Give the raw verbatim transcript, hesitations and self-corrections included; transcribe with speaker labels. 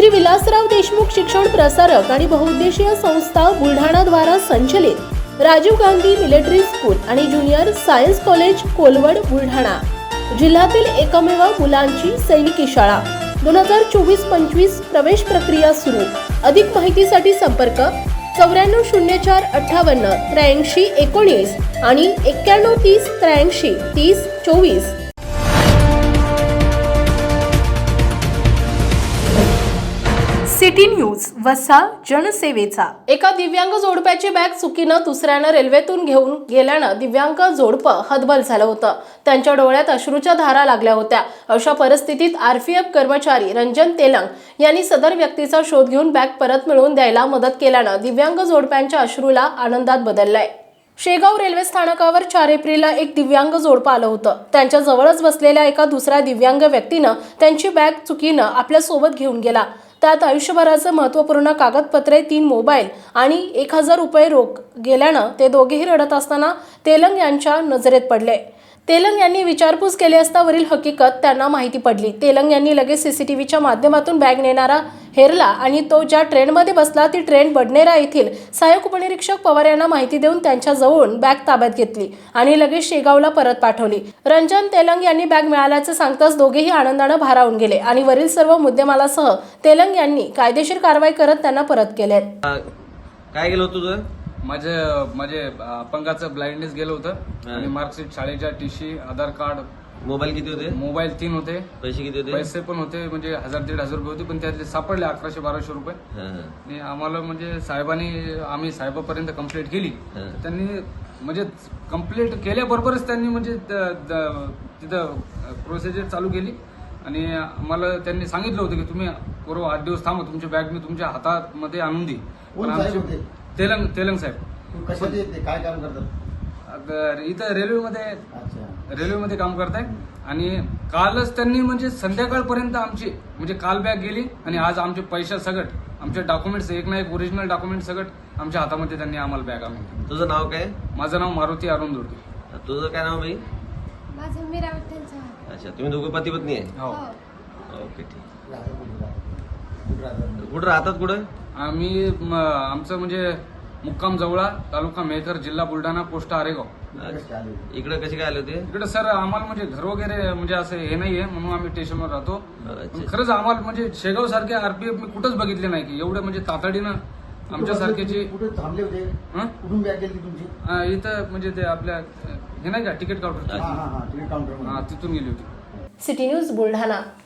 Speaker 1: श्री विलासराव देशमुख शिक्षण प्रसारक आणि बहुउद्देशीय संस्था बुलढाणा द्वारा संचलित राजीव गांधी मिलिटरी स्कूल आणि junior science college Kolwad Buldhana जिल्ह्यातील एकमेव मुलांची सैनिकी शाळा दोन हजार चोवीस पंचवीस प्रवेश प्रक्रिया सुरू। अधिक माहितीसाठी संपर्क चौऱ्याण्णव शून्य चार अठ्ठावन्न त्र्याऐंशी एकोणीस आणि एक्क्याण्णव तीस त्र्याऐंशी तीस चोवीस। सिटी न्यूज वसा जनसेवेचा। एका दिव्यांग जोडप्याची बॅग चुकीनं दुसऱ्यानं रेल्वेतून घेऊन गेल्यानं दिव्यांग जोडपं हतबल झालं होतं। त्यांच्या डोळ्यात अश्रूच्या धारा लागल्या होत्या। अशा परिस्थितीत आरपीएफ कर्मचारी रंजन तेलंग यांनी सदर व्यक्तीचा शोध घेऊन बॅग परत मिळवून द्यायला मदत केल्यानं दिव्यांग जोडप्यांच्या अश्रूला आनंदात बदललाय। शेगाव रेल्वे स्थानकावर चार एप्रिलला एक दिव्यांग जोडपं आलं होतं। त्यांच्या जवळच बसलेल्या एका दुसऱ्या दिव्यांग व्यक्तीनं त्यांची बॅग चुकीनं आपल्या सोबत घेऊन गेला। त्यात आयुष्यभराचं महत्त्वपूर्ण कागदपत्रे, तीन मोबाईल आणि एक हजार रुपये रोख गेल्यानं ते दोघेही रडत असताना तेलंग यांच्या नजरेत पडले। तेलंग यांनी विचारपूस केली असता वरील हकीकत त्यांना माहिती पडली। तेलंग यांनी लगेच सीसीटीव्हीच्या माध्यमातून बॅग नेणारा हेरला आणि तो ज्या ट्रेनमध्ये बसला ती ट्रेन बडनेरा येथील सहाय्यक उपनिरीक्षक पवार यांना माहिती देऊन त्यांच्या जवळून बॅग ताब्यात घेतली आणि लगेच शेगावला परत पाठवली। रंजन तेलंग यांनी बॅग मिळाल्याचे सांगताच दोघेही आनंदाने भारावून गेले आणि वरील सर्व मुद्देमालासह तेलंग यांनी कायदेशीर कारवाई करत त्यांना परत केले।
Speaker 2: काय गेलं तुझं?
Speaker 3: माझे माझे अपंगाचं ब्लाइंडनेस गेलं होतं आणि मार्कशीट, शाळेच्या टीसी, आधार कार्ड।
Speaker 2: मोबाईल किती होते?
Speaker 3: मोबाईल तीन होते।
Speaker 2: पैसे किती होते?
Speaker 3: पैसे पण होते, म्हणजे हजार दीड हजार रुपये होते, पण त्यातले सापडले अकराशे बाराशे रुपये। आणि आम्हाला म्हणजे साहेबांनी आम्ही साहेबापर्यंत कंप्लेंट केली, त्यांनी म्हणजे कंप्लेंट केल्याबरोबरच त्यांनी म्हणजे तिथं प्रोसिजर चालू केली आणि आम्हाला त्यांनी सांगितलं होतं की तुम्ही पूर्व आठ दिवस थांबा, तुमची बॅग मी तुमच्या हातामध्ये आणून देईन। पण आमचे तेलंग तेलंग साहेब
Speaker 4: कशाचे येते, काय काम करतात?
Speaker 3: इथं रेल्वेमध्ये रेल्वेमध्ये काम करताय आणि कालच त्यांनी म्हणजे संध्याकाळपर्यंत आमची म्हणजे काल बॅग गेली आणि आज आमचे पैसे सगट, आमचे डॉक्युमेंट्स एक ना एक ओरिजिनल डॉक्युमेंट सगट आमच्या हातामध्ये त्यांनी आम्हाला बॅग आणून।
Speaker 2: तुझं नाव काय?
Speaker 3: माझं नाव मारुती अरुण दुर्गे।
Speaker 2: तुझं काय नाव बाई?
Speaker 5: माझं मीरा विठ्ठल चव्हाण।
Speaker 2: अच्छा, तुम्ही दोघं पती पत्नी आहे?
Speaker 3: हो।
Speaker 2: ओके, ठीक। कुठं राहतात? कुठं?
Speaker 3: आम्ही आमचं म्हणजे मुक्काम जवळा, तालुका मेहकर, जिल्हा बुलढाणा, पोस्ट आरेगाव।
Speaker 2: इकडे कसे काय आले होते?
Speaker 3: इकडे सर आम्हाला म्हणजे घर वगैरे म्हणजे असं हे नाहीये म्हणून आम्ही स्टेशनवर राहतो। खरंच आम्हाला म्हणजे शेगाव सारखे आरपीएफ मी कुठंच बघितले नाही की एवढं म्हणजे तातडीनं आमच्या सारख्याची।
Speaker 4: कुठे थांबले होते? कुठून बॅग गेली तुमची?
Speaker 3: इथं म्हणजे ते आपल्या हे नाही का तिकीट काउंटर,
Speaker 4: तिकीट काउंटर,
Speaker 3: तिथून गेली होती।
Speaker 1: City news Buldhana.